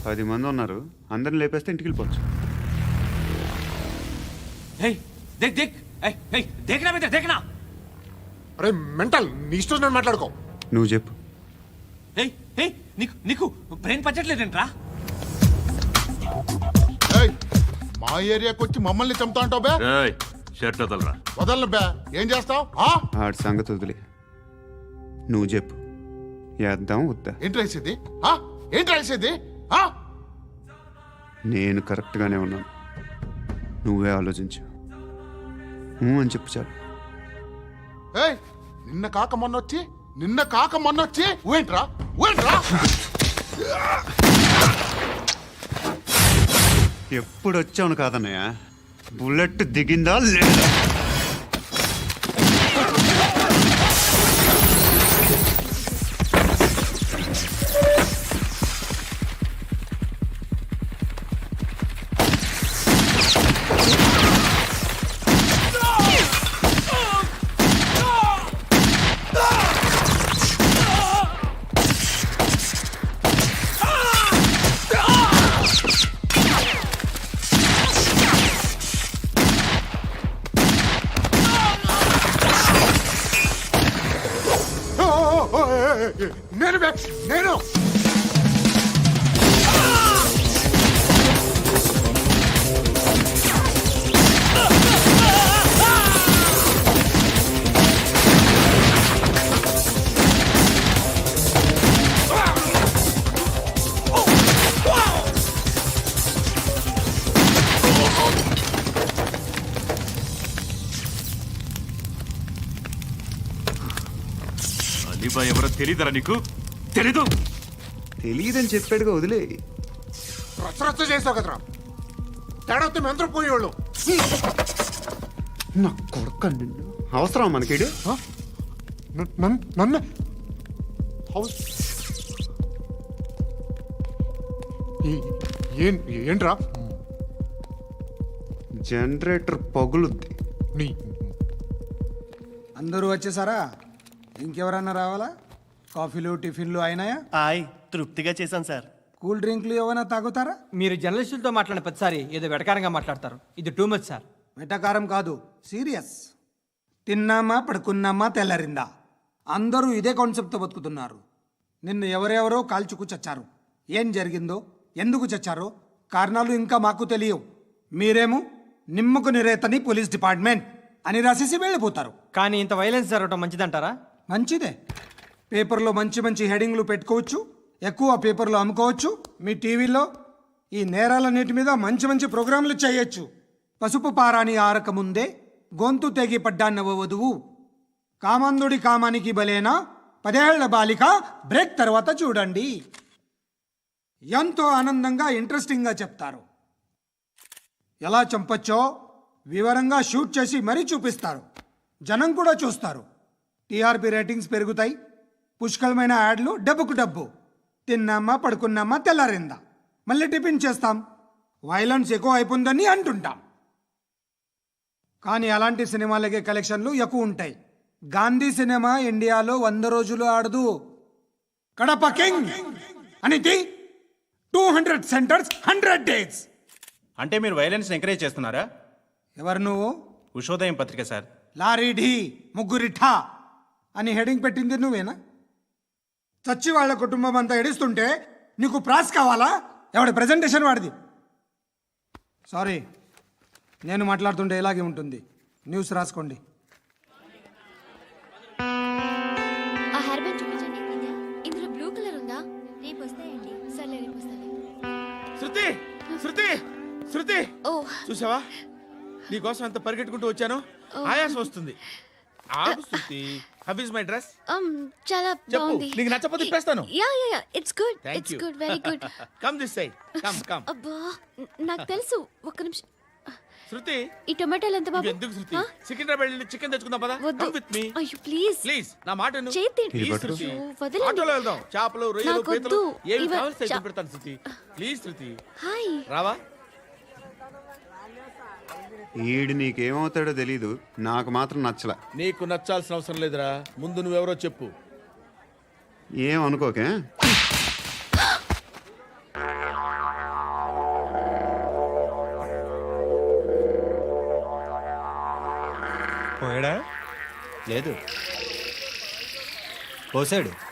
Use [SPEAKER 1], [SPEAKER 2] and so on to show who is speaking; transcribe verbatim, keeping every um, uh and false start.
[SPEAKER 1] పది మంది ఉన్నారు, అందరిని లేపేస్తే ఇంటికి వెళ్ళిపోవచ్చు.
[SPEAKER 2] దేక్ దేక్ దేఖ్నా బేటా దేఖ్నా.
[SPEAKER 3] అరే మెంటల్, నీ ఇష్టం నేను మాట్లాడుకో.
[SPEAKER 1] నువ్వు చెప్పు.
[SPEAKER 2] ఏయ్ ఏయ్ నీకు నీకు బ్రెయిన్ పచ్చట్లేదంట్రా.
[SPEAKER 3] ఏయ్ మా ఏరియాకి వచ్చి మమ్మల్ని చంపుతా అంటావు బే.
[SPEAKER 4] ఏయ్ షర్ట్ వదలరా.
[SPEAKER 3] వదలను బే. ఏం చేస్తావు?
[SPEAKER 1] ఆడి సంగతి వదిలే, నువ్వు చెప్పు. వేద్దాం వద్దా?
[SPEAKER 3] ఏంటి రాసేది? ఏంటి రాసేది?
[SPEAKER 1] నేను కరెక్ట్గానే ఉన్నాను, నువ్వే ఆలోచించు. అని చెప్పు చాలు.
[SPEAKER 3] ఏయ్ నిన్న కాక మొన్న వచ్చి నిన్న కాక మొన్న వచ్చి ఊయంట్రా ఊయంట్రా.
[SPEAKER 1] ఎప్పుడు వచ్చావును కాదన్నయ్య, బుల్లెట్ దిగిందా లేదా?
[SPEAKER 3] నేను బే నేను
[SPEAKER 4] అలీబా ఎవరో తెలీదరా నీకు? తెలీదు?
[SPEAKER 1] తెలియదని చెప్పాడుగా, వదిలే.
[SPEAKER 3] రచ్చరచ్చ చేస్తావు కదరా. తేడా వస్తే మెంతరం పోయేవాళ్ళు.
[SPEAKER 1] నా కొడుక, నిన్ను అవసరం మనకేడు.
[SPEAKER 3] నన్ను హౌస్ ఏంట్రా?
[SPEAKER 1] జనరేటర్ పగులుద్ది.
[SPEAKER 3] నీ
[SPEAKER 5] అందరూ వచ్చేసారా? ఇంకెవరన్నా రావాలా? కాఫీలు టిఫిన్లు అయినాయా?
[SPEAKER 6] ఆయ్ తృప్తిగా చేశాను సార్.
[SPEAKER 5] కూల్ డ్రింక్లు ఏమైనా తాగుతారా?
[SPEAKER 7] మీరు జర్నలిస్టులతో మాట్లాడిన ప్రతిసారి ఏదో వెటకారంగా మాట్లాడతారు. ఇది టూ మచ్ సార్.
[SPEAKER 5] వెటకారం కాదు, సీరియస్. తిన్నామా పడుకున్నామా తెల్లరిందా, అందరూ ఇదే కాన్సెప్ట్తో బతుకుతున్నారు. నిన్ను ఎవరెవరో కాల్చుకు చచ్చారు. ఏం జరిగిందో, ఎందుకు చచ్చారో కారణాలు ఇంకా మాకు తెలియవు. మీరేమో నిమ్మకు నిరేతని పోలీస్ డిపార్ట్మెంట్ అని రాసేసి వెళ్ళిపోతారు.
[SPEAKER 7] కానీ ఇంత వైలెన్స్ జరగడం మంచిదంటారా?
[SPEAKER 5] మంచిదే. పేపర్లో మంచి మంచి హెడింగ్లు పెట్టుకోవచ్చు, ఎక్కువ పేపర్లు అమ్ముకోవచ్చు. మీ టీవీలో ఈ నేరాలన్నిటి మీద మంచి మంచి ప్రోగ్రాంలు చేయొచ్చు. పసుపు పారాని ఆరక ముందే గొంతు తెగి పడ్డాన్నవ వధువు, కామందుడి కామానికి బలేనా పదేళ్ల బాలిక బ్రేక్ తర్వాత చూడండి. ఎంతో ఆనందంగా ఇంట్రెస్టింగ్గా చెప్తారు. ఎలా చంపచ్చో వివరంగా షూట్ చేసి మరీ చూపిస్తారు. జనం కూడా చూస్తారు. టీఆర్పీ రేటింగ్స్ పెరుగుతాయి. పుష్కలమైన యాడ్లు, డబ్బుకు డబ్బు. తిన్నామా పడుకున్నామా తెల్లారిందా, మళ్ళీ టిఫిన్ చేస్తాం. వైలెన్స్ ఎక్కువ అయిపోయిందని అంటుంటాం. కానీ అలాంటి సినిమాలకే కలెక్షన్లు ఎక్కువ ఉంటాయి. గాంధీ సినిమా ఇండియాలో వంద రోజులు ఆడదు. కడప కింగ్ అనేది two hundred centres hundred days.
[SPEAKER 6] అంటే మీరు వైలెన్స్ ఎంకరేజ్ చేస్తున్నారా?
[SPEAKER 5] ఎవరు నువ్వు?
[SPEAKER 6] ఉషోదయం పత్రిక సార్.
[SPEAKER 5] లారీ ఢీ ముగ్గురి ఠా అని హెడింగ్ పెట్టింది నువ్వేనా? చచ్చి వాళ్ళ కుటుంబం అంతా ఎడుస్తుంటే నీకు ప్రాస్ కావాలా? ఎవడి ప్రజెంటేషన్ వాడిది. సారీ, నేను మాట్లాడుతుంటే ఇలాగే ఉంటుంది. న్యూస్ రాసుకోండి.
[SPEAKER 8] ఆ హెయిర్ బ్యాండ్ చూపించండి. ఇందులో బ్లూ కలర్ ఉందా? రేపు వస్తాయండి. సర్లే రేపు వస్తాను.
[SPEAKER 2] శృతి శృతి శృతి
[SPEAKER 8] ఓ
[SPEAKER 2] చూసావా, నీకోసం ఎంత పరిగెట్టుకుంటూ వచ్చాను. ఆయాసం వస్తుంది. ఆగు Shruti. How is my dress?
[SPEAKER 8] um చాలా బాగుంది.
[SPEAKER 2] నీకు నచ్చకపోతే తిప్పేస్తాను.
[SPEAKER 8] Yeah yeah yeah it's good.
[SPEAKER 2] Thank
[SPEAKER 8] it's
[SPEAKER 2] you.
[SPEAKER 8] Good, very good.
[SPEAKER 2] Come this side. Come come.
[SPEAKER 8] అబ్బా న- నాకు తెలుసు. ఒక్క నిమిషం.
[SPEAKER 2] శృతి
[SPEAKER 8] ఈ టొమాటోలు ఎంత బాబు?
[SPEAKER 2] ఎందుకు శృతి?
[SPEAKER 8] ఆ?
[SPEAKER 2] సికింద్రాబాద్ వెళ్ళి చికెన్ తెచ్చుకుందాం పదా.
[SPEAKER 8] వద్దు.
[SPEAKER 2] కమ్ విత్ మీ
[SPEAKER 8] అయ్యో ప్లీజ్
[SPEAKER 2] ప్లీజ్. నా మాట విను.
[SPEAKER 8] చేతి
[SPEAKER 2] Please,
[SPEAKER 1] పట్టు.
[SPEAKER 2] శృతి.
[SPEAKER 8] అయ్యో, వదలండి.
[SPEAKER 2] ఆటోలో వెళ్దాం. చేపలు, రొయ్యలు,
[SPEAKER 8] నాకు
[SPEAKER 2] పీతలు
[SPEAKER 8] వద్దు.
[SPEAKER 2] ఏమి
[SPEAKER 8] ఇవ-
[SPEAKER 2] కావాలి
[SPEAKER 8] చా-
[SPEAKER 2] పెడతాను శృతి. Please Shruti.
[SPEAKER 8] హాయ్.
[SPEAKER 2] రావా?
[SPEAKER 1] ఈడు నీకేమవుతాడో తెలీదు, నాకు మాత్రం నచ్చలా.
[SPEAKER 2] నీకు నచ్చాల్సిన అవసరం లేదురా. ముందు నువ్వెవరో చెప్పు.
[SPEAKER 1] ఏం అనుకోకే.
[SPEAKER 9] పోయాడా
[SPEAKER 7] లేదు పోసాడు